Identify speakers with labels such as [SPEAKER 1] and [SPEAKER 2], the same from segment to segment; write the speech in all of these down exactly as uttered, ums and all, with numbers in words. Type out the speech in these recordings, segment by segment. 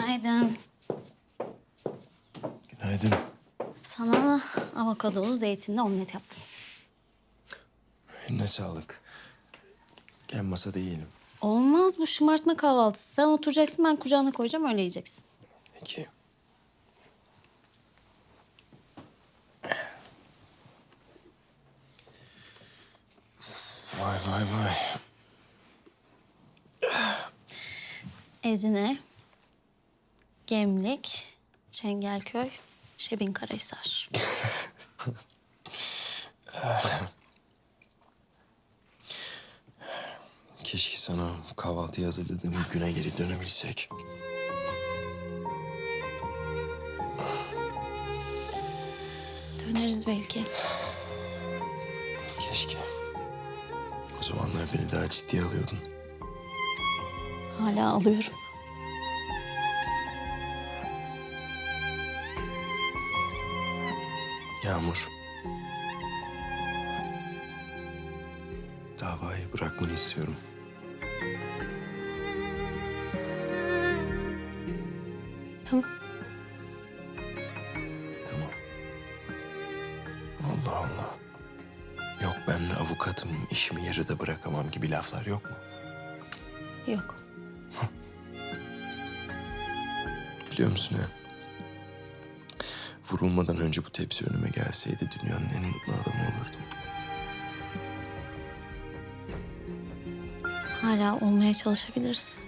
[SPEAKER 1] Günaydın.
[SPEAKER 2] Günaydın.
[SPEAKER 1] Sana avokadolu zeytinli omlet yaptım.
[SPEAKER 2] Eline sağlık. Gel masada yiyelim.
[SPEAKER 1] Olmaz, bu şımartma kahvaltısı. Sen oturacaksın, ben kucağına koyacağım, öyle yiyeceksin.
[SPEAKER 2] Peki. Vay vay vay.
[SPEAKER 1] Ezine, Gemlik, Çengelköy, Şebinkarahisar.
[SPEAKER 2] Keşke sana kahvaltıyı hazırladığım güne geri dönebilsek.
[SPEAKER 1] Döneriz belki.
[SPEAKER 2] Keşke. O zamanlar beni daha ciddiye alıyordun.
[SPEAKER 1] Hala alıyorum.
[SPEAKER 2] Yağmur. Davayı bırakmanı istiyorum.
[SPEAKER 1] Tamam.
[SPEAKER 2] Tamam. Allah Allah. Yok ben avukatım, işimi yarıda bırakamam gibi laflar yok mu?
[SPEAKER 1] Yok.
[SPEAKER 2] Biliyor musun ya? Vurulmadan önce bu tepsi önüme gelseydi dünyanın en mutlu adamı olurdum.
[SPEAKER 1] Hala olmaya çalışabiliriz.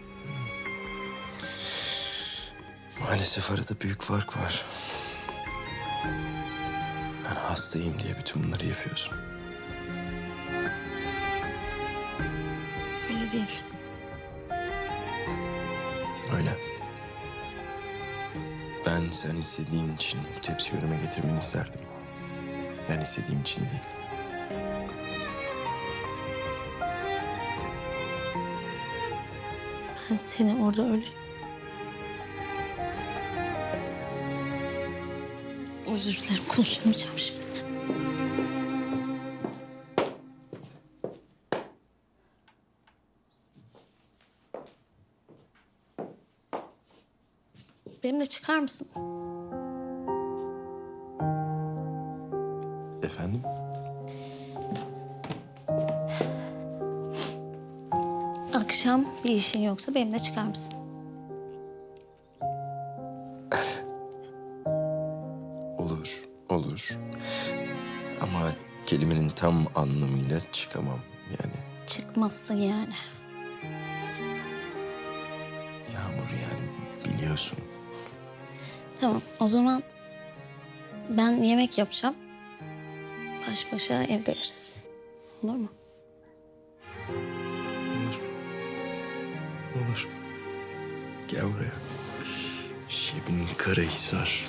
[SPEAKER 2] Maalesef arada büyük fark var. Ben hastayım diye bütün bunları yapıyorsun.
[SPEAKER 1] Öyle değil.
[SPEAKER 2] Öyle. Ben sen istediğin için bu tepsiyi önüme getirmeni isterdim. Ben istediğim için değil.
[SPEAKER 1] Ben seni orada öyle... Özür dilerim, konuşamayacağım şimdi. Benimle çıkar mısın?
[SPEAKER 2] Efendim?
[SPEAKER 1] Akşam bir işin yoksa benimle çıkar mısın?
[SPEAKER 2] Olur, olur. Ama kelimenin tam anlamıyla çıkamam yani.
[SPEAKER 1] Çıkmazsın yani.
[SPEAKER 2] Yağmur yani biliyorsun.
[SPEAKER 1] Tamam, o zaman ben yemek yapacağım. Baş başa evde yeriz. Olur mu?
[SPEAKER 2] Olur. Olur. Gel buraya. Şebinkarahisar.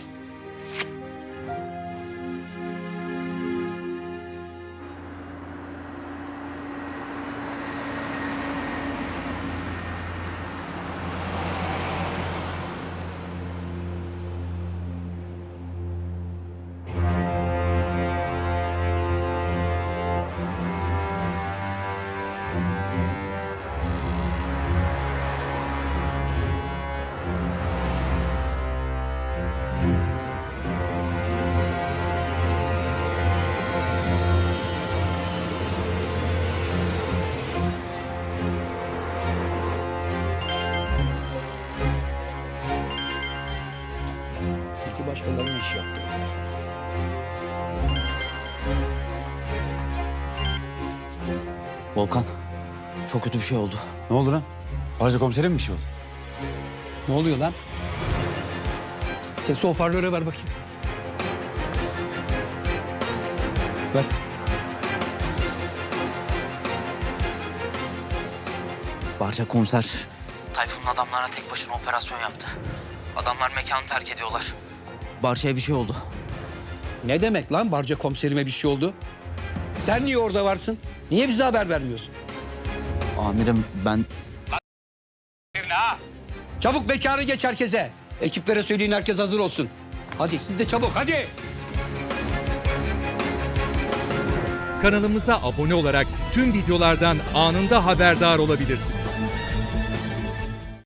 [SPEAKER 3] İki başkalarının işi yaptı.
[SPEAKER 4] Volkan, çok kötü bir şey oldu.
[SPEAKER 5] Ne oldu lan? Barca komiserim mi bir şey oldu?
[SPEAKER 3] Ne oluyor lan? Sesi hoparlöre ver bakayım. Ver.
[SPEAKER 4] Barca komiser, Tayfun'un adamlarına tek başına operasyon yaptı. Adamlar mekanı terk ediyorlar. Barca'ya bir şey oldu.
[SPEAKER 3] Ne demek lan Barca komiserime bir şey oldu? Sen niye orada varsın? Niye bize haber vermiyorsun?
[SPEAKER 4] Amirim ben...
[SPEAKER 3] Çabuk mekanı geç herkese. Ekiplere söyleyin, herkes hazır olsun. Hadi siz de çabuk hadi.
[SPEAKER 6] Kanalımıza abone olarak tüm videolardan anında haberdar olabilirsiniz.